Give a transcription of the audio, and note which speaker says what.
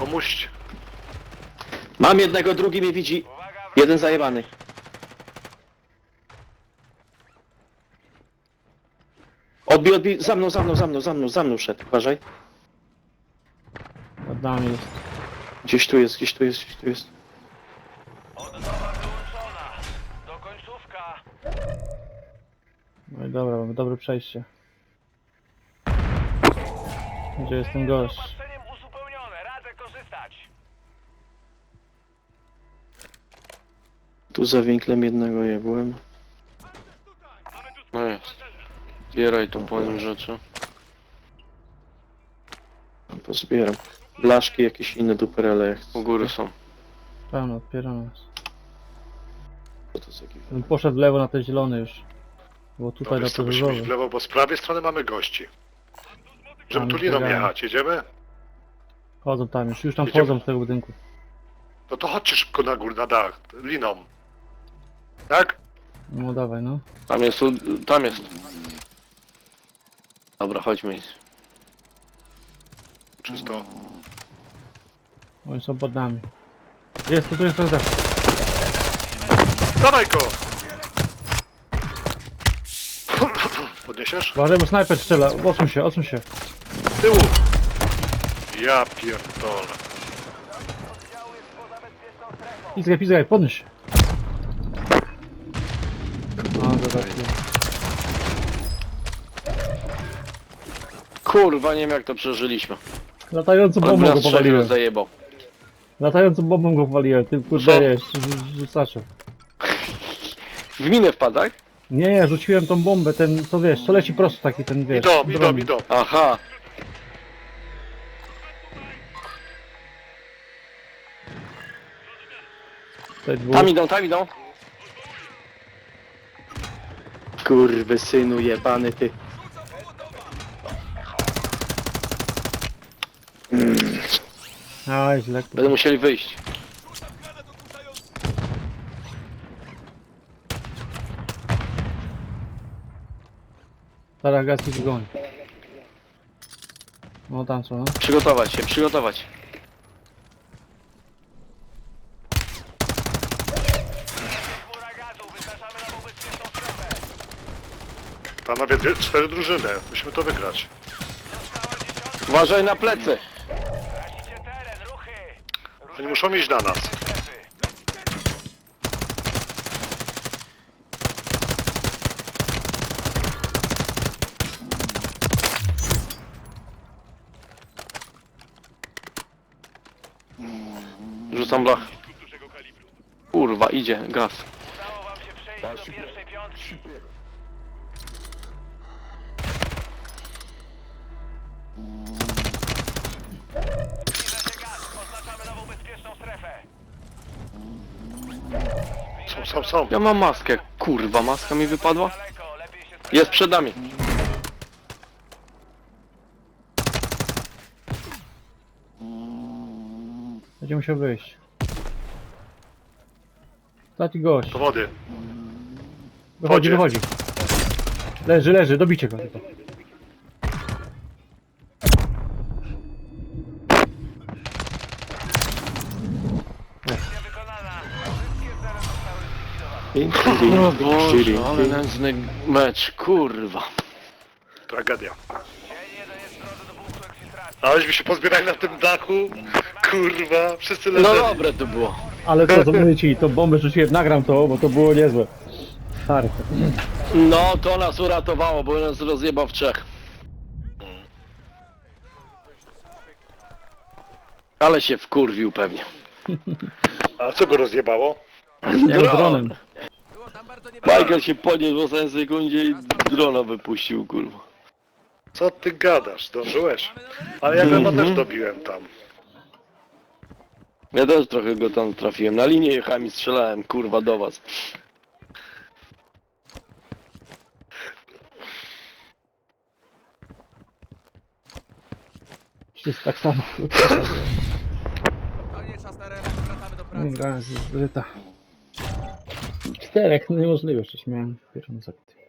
Speaker 1: Pomóżcie.
Speaker 2: Mam jednego, drugi mnie widzi. Jeden zajebany. Odbij, za mną szedł, uważaj.
Speaker 3: Nad nami jest.
Speaker 2: Gdzieś tu jest.
Speaker 4: Odnowa wyłączona. Do końcówka.
Speaker 3: No i dobra, mamy dobre przejście. Gdzie jest ten gość?
Speaker 4: Zaopatrzeniem uzupełnione. Radzę korzystać.
Speaker 2: Tu za winklem jednego jebłem.
Speaker 5: No jest. Zbieraj tu po nim rzeczy.
Speaker 2: Pozbieram. Blaszki, jakieś inne duperele. Jak
Speaker 5: U góry są.
Speaker 3: Tam, odpieramy nas.
Speaker 2: Co to za jakiś...
Speaker 3: On poszedł w lewo na te zielone już. Bo
Speaker 1: No
Speaker 3: tutaj na
Speaker 1: wiesz co,
Speaker 3: te
Speaker 1: musimy iść w
Speaker 3: różowe.
Speaker 1: lewo, bo z prawej strony mamy gości. Żeby
Speaker 3: Tam
Speaker 1: tu liną
Speaker 3: biegamy.
Speaker 1: jechać, jedziemy?
Speaker 3: Chodzą tam już tam
Speaker 1: Jedziemy.
Speaker 3: wchodzą z tego budynku.
Speaker 1: No to chodźcie szybko na górę, na dach, liną. Tak?
Speaker 3: No dawaj, no.
Speaker 5: Tam jest, tam jest. Dobra, chodźmy.
Speaker 1: Czysto.
Speaker 3: Oni są pod nami. Jest, tu jest rozda.
Speaker 1: Dawaj go! Podniesiesz?
Speaker 3: Uważaj, bo snajper strzela. Odsuń się.
Speaker 1: Z tyłu! Ja pierdolę.
Speaker 3: Pizgaj, podnieś się. No, zobaczcie.
Speaker 5: Kurwa, nie wiem jak to przeżyliśmy.
Speaker 3: Latającą
Speaker 5: On
Speaker 3: bombą
Speaker 5: nas
Speaker 3: go
Speaker 5: strzelił,
Speaker 3: powaliłem.
Speaker 5: zajebał.
Speaker 3: Latającą bombą go powaliłem. Ty
Speaker 1: Co?
Speaker 3: kurde wiesz, rzucaczem.
Speaker 5: W minę wpadł, tak?
Speaker 3: Nie, rzuciłem tą bombę, ten, co wiesz, co leci prosto taki ten, wiesz. dron.
Speaker 1: Idą.
Speaker 5: Aha.
Speaker 3: Tutaj dwóch.
Speaker 5: Tam idą.
Speaker 2: Kurwy synu jebany ty.
Speaker 3: Aj, źle.
Speaker 5: Będą musieli wyjść.
Speaker 3: Teraz gaz ich goni. No tam są, no.
Speaker 5: Przygotować się.
Speaker 4: Chmura gazu. Wyznaczamy nową bezpieczną strefę.
Speaker 1: Panowie, 4 drużyny. Musimy to wygrać.
Speaker 4: Została dziesiątka.
Speaker 5: Uważaj na plecy.
Speaker 4: Tracicie teren. Ruchy.
Speaker 1: Oni muszą iść na nas.
Speaker 4: Strefy.
Speaker 5: Rzucam blach. Kurwa, idzie, gaz.
Speaker 4: Udało wam się przejść do pierwszej piątki. Zbliża się gaz. Oznaczamy nową bezpieczną strefę.
Speaker 1: Są.
Speaker 5: Ja mam maskę. Kurwa, maska mi wypadła.
Speaker 4: Daleko. Lepiej się
Speaker 5: Jest przed nami.
Speaker 3: Będzie musiał wyjść. Taki gość.
Speaker 1: Do wody.
Speaker 3: Wychodzi.
Speaker 1: Wodzie.
Speaker 3: Leży, dobicie go tylko.
Speaker 4: misja wykonana. Wszystkie cele zostały zlikwidowane.
Speaker 5: O Boże, ale nędzny mecz, kurwa.
Speaker 1: Tragedia.
Speaker 4: Dzień jeden jest w drodze do punktu eksfiltracji.
Speaker 1: Aleśmy się pozbierali na tym dachu. Kurwa, wszyscy
Speaker 5: No
Speaker 1: leżeli.
Speaker 5: dobre to było.
Speaker 3: Ale to mówię ci, to bombę rzuciłem, nagram to, bo to było niezłe. Stary.
Speaker 5: No, to nas uratowało, bo nas rozjebał w trzech. Ale się wkurwił pewnie.
Speaker 1: A co go rozjebało?
Speaker 3: Jak dronem.
Speaker 5: Michael się podniósł w ostatniej sekundzie i drona wypuścił, kurwa.
Speaker 1: Co ty gadasz? Zdążyłeś? Ale ja go chyba też dobiłem tam.
Speaker 5: Ja też trochę go tam trafiłem. Na linię jechałem i strzelałem, kurwa, do was.
Speaker 3: Jest tak samo.
Speaker 4: Koniec czas na remont, wracamy do pracy.
Speaker 3: Gra jest zryta. 4, no niemożliwe, jeszcze miałem pierwszą sekcję.